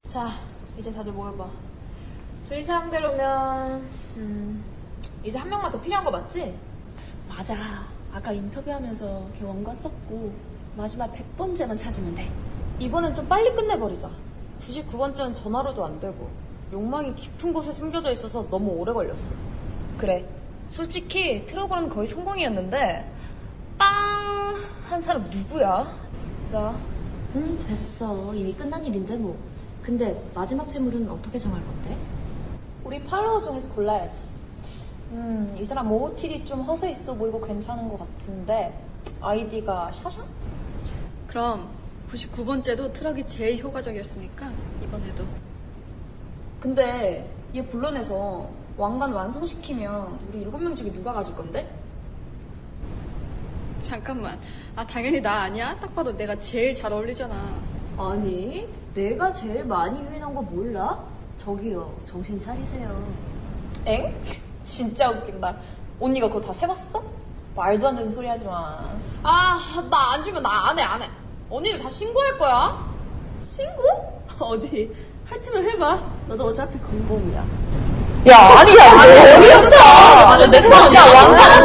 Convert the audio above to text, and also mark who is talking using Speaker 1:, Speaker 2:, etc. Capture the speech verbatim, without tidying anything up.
Speaker 1: 자, 이제 다들 모여봐. 주의사항대로면 음, 이제 한 명만 더 필요한 거 맞지?
Speaker 2: 맞아. 아까 인터뷰하면서 걔 원관 썼고 마지막 백 번째만 찾으면 돼.
Speaker 1: 이번엔 좀 빨리 끝내버리자. 구십구 번째는 전화로도 안 되고 욕망이 깊은 곳에 숨겨져 있어서 너무 오래 걸렸어.
Speaker 3: 그래. 솔직히 트러블은 거의 성공이었는데 빵 한 사람 누구야? 진짜.
Speaker 4: 응, 됐어. 이미 끝난 일인데 뭐. 근데 마지막 질문은 어떻게 정할 건데?
Speaker 2: 우리 팔로워 중에서 골라야지. 음, 이 사람 오오티디 좀 허세 있어 보이고 괜찮은 것 같은데 아이디가 샤샤?
Speaker 5: 그럼 구십구 번째도 트럭이 제일 효과적이었으니까 이번에도.
Speaker 3: 근데 얘 불러내서 왕관 완성시키면 우리 일곱 명 중에 누가 가질 건데?
Speaker 5: 잠깐만. 아 당연히 나 아니야? 딱 봐도 내가 제일 잘 어울리잖아.
Speaker 4: 아니, 내가 제일 많이 유인한 거 몰라? 저기요, 정신 차리세요.
Speaker 2: 엥? 진짜 웃긴다. 언니가 그거 다 세봤어? 말도 안 되는 소리 하지 마.
Speaker 1: 아, 나 안 주면 나 안 해, 안 해. 언니들 다 신고할 거야.
Speaker 2: 신고? 어디? 할 테면 해봐. 너도 어차피 건봉이야.
Speaker 3: 야, 아니야, 어이없다. 내 야, 왕관